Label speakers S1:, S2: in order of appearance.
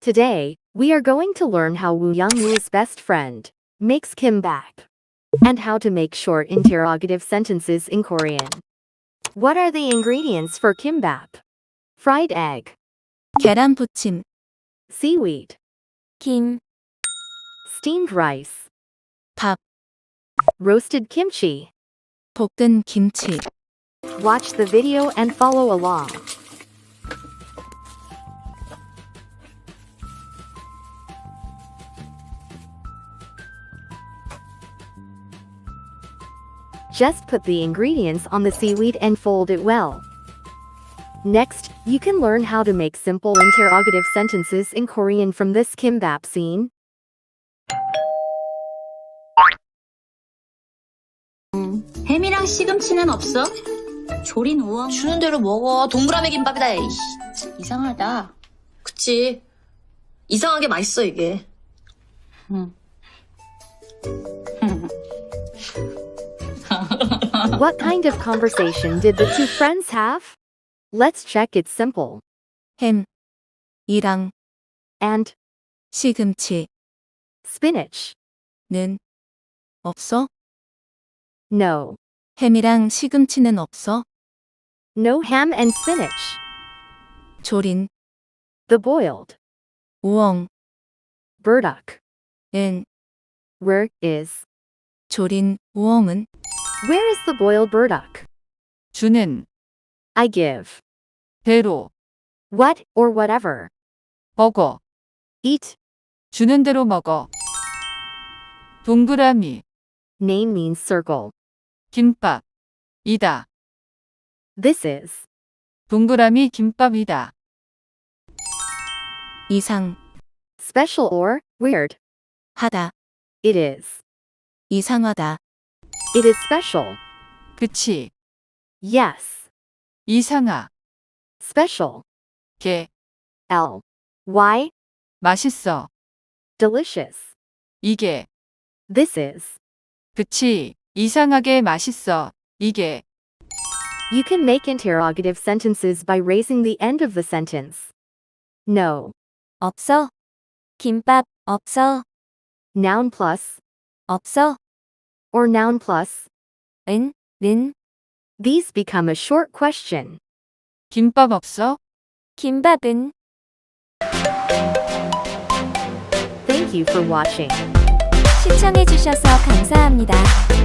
S1: Today, we are going to learn how Woo Young-woo's best friend makes kimbap and how to make short interrogative sentences in Korean. What are the ingredients for kimbap? Fried egg,
S2: 계란부침,
S1: seaweed,
S2: 김,
S1: steamed rice,
S2: 밥,
S1: roasted kimchi.
S2: 볶은 김치.
S1: Watch the video and follow along. Just put the ingredients on the seaweed and fold it well. Next, you can learn how to make simple interrogative sentences in Korean from this kimbap scene.
S3: 햄이랑 시금치는 없어? 조린 우엉.
S4: 주는 대로 먹어. 동그라미 김밥이다. 에이씨.
S3: 이상하다.
S4: 그치. 이상하게 맛있어 이게.
S1: What kind of conversation did the two friends have? Let's check. It's simple.
S2: 햄, 이랑
S1: And
S2: 시금치는
S1: spinach.
S2: 없어?
S1: No.
S2: 햄이랑 시금치는 없어?
S1: No ham and spinach.
S2: 조린,
S1: The boiled
S2: 우엉은
S1: burdock. Where is?
S2: 조린 우엉은
S1: Where is the boiled burdock?
S5: 주는
S1: I give.
S5: 대로
S1: What or whatever.
S5: 먹어.
S1: Eat.
S5: 주는 대로 먹어. 동그라미
S1: Name means circle.
S5: 김밥 이다.
S1: This is.
S5: 동그라미 김밥이다.
S2: 이상,
S1: Special or weird.
S2: 하다,
S1: It is.
S2: 이상하다,
S1: It is special.
S5: 그치.
S1: Yes.
S5: 이상하.
S1: Special.
S5: 게
S1: L. Y.
S5: 맛있어.
S1: Delicious.
S5: 이게
S1: This is.
S5: 그치. 이상하게 맛있어. 이게
S1: You can make interrogative sentences by raising the end of the sentence. No.
S2: 없어? 김밥 없어?
S1: Noun plus.
S2: 없어?
S1: Or noun plus.
S2: 는
S1: These become a short question.
S5: 김밥 없어?
S2: 김밥은
S1: Thank you for watching.
S2: 시청해주셔서 감사합니다.